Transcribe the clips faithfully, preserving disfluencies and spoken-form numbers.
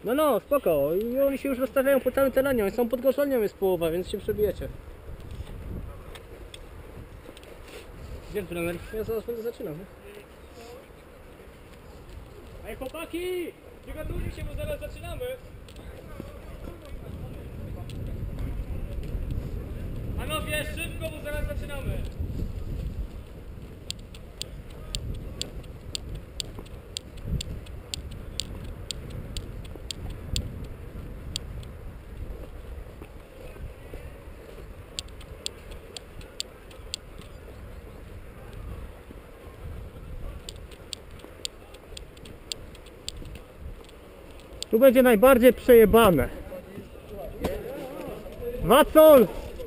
No no, spoko. I oni się już rozstawiają po całym terenie. Oni są pod gorzelnią, jest połowa, więc się przebijecie. Gdzie trener? Ja zaraz będę zaczynał. Nie? Ej chłopaki! Przygotujcie się, bo zaraz zaczynamy. Panowie, szybko, bo zaraz zaczynamy. Tu będzie najbardziej przejebane. Wacol!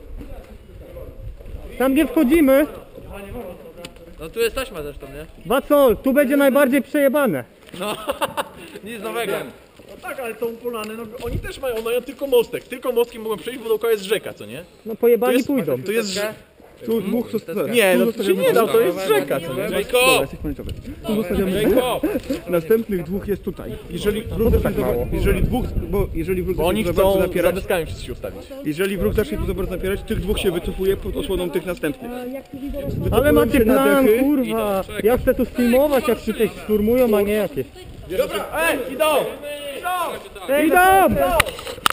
Tam gdzie wchodzimy. No tu jest taśma zresztą, nie? Wacol, tu będzie najbardziej przejebane. No, nic nowego. No tak, ale tą polany, no oni też mają, mają tylko mostek. Tylko mostkiem mogą przejść, bo dookoła jest rzeka, co nie? No pojebani To jest- pójdą. To jest... Tu dwóch zostawiamy. Nie, no to się nie da, to jest rzeka, co nie? Jacob! Jesteś pomarańczowy. Tu zostawiamy. Jacob! Następnych dwóch jest tutaj. Jeżeli wróg zacznie za- jeżeli dwóch, bo jeżeli wróg Bo oni zacznie za bardzo chcą za napierać, deskami wszyscy się ustawić. jeżeli wróg zacznie tu za bardzo napierać, tych dwóch się wycofuje pod osłoną tych następnych. Ale macie się na plan, dechy. kurwa. Ja chcę tu streamować, jak tutaj szturmują, a nie jakieś. Dobra, ej, idą! Idą!